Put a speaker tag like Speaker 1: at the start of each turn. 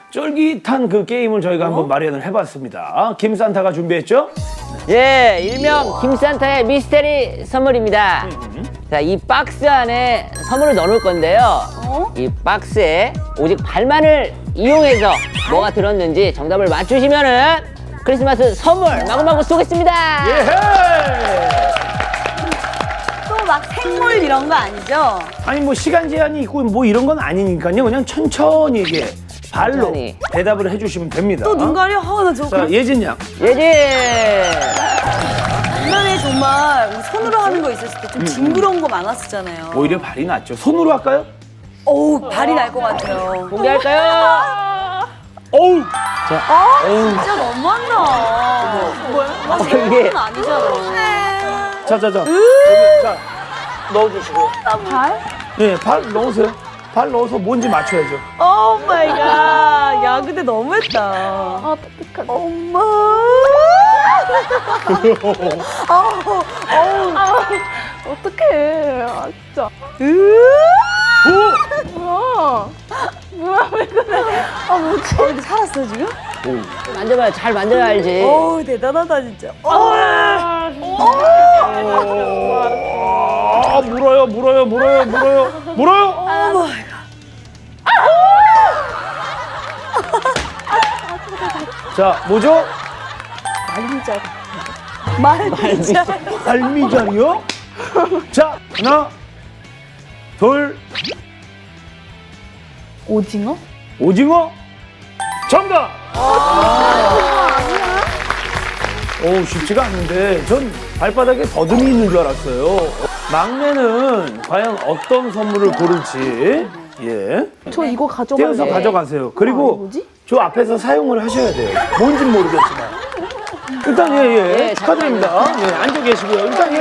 Speaker 1: 쫄깃한 그 게임을 저희가 한번 마련을 해봤습니다. 김산타가 준비했죠?
Speaker 2: 예, 일명 김산타의 미스테리 선물입니다. 자, 이 박스 안에 선물을 넣어놓을 건데요. 이 박스에 오직 발만을 이용해서 뭐가 들었는지 정답을 맞추시면은 크리스마스 선물 마구마구 쏘겠습니다.
Speaker 1: 예헤!
Speaker 3: 또 막 생물 이런 거 아니죠?
Speaker 1: 아니 뭐 시간 제한이 있고 뭐 이런 건 아니니까요. 그냥 천천히 이게 발로
Speaker 2: 천천히.
Speaker 1: 대답을 해주시면 됩니다.
Speaker 3: 또 눈 가려? 나 저거
Speaker 1: 자, 예진 양.
Speaker 2: 예진!
Speaker 3: 옛날에 정말 우리 손으로 하는 거 있었을 때 좀 징그러운 거 많았었잖아요.
Speaker 1: 오히려 발이 낫죠. 손으로 할까요?
Speaker 3: 어우, 발이 날 것 같아요.
Speaker 2: 공개할까요?
Speaker 1: 어우!
Speaker 3: 진짜 너무한다. 뭐야?
Speaker 2: 이게-
Speaker 3: 이게 아니잖아.
Speaker 1: 자. 여기, 자, 넣어주시고.
Speaker 3: 발?
Speaker 1: 네, 발 넣으세요. 발 넣어서 뭔지 맞춰야죠.
Speaker 3: 오 마이 갓. 야, 근데 너무했다. 아, 똑똑하다. 엄마. 어떡해. 아, 진짜. 뭐야, 왜 그래? 아, 뭐지? 근데 살았어, 지금?
Speaker 2: 만져봐요. 잘 만져야 알지.
Speaker 3: 어우, 대단하다, 진짜.
Speaker 1: 아, 물어요. 자, 뭐죠?
Speaker 3: 말미잘. 말미잘.
Speaker 1: 발미자리요? 자, 하나, 둘,
Speaker 3: 오징어?
Speaker 1: 오징어? 정답! 오, 쉽지가 않는데 전 발바닥에 더듬이 있는 줄 알았어요. 막내는 과연 어떤 선물을 고를지
Speaker 4: 저 이거 가져가요.
Speaker 1: 떼어서 가져가세요. 그리고
Speaker 4: 뭐지?
Speaker 1: 저 앞에서 사용을 하셔야 돼요. 뭔진 모르겠지만. 일단
Speaker 2: 예,
Speaker 1: 축하드립니다. 예, 앉아 계시고요. 일단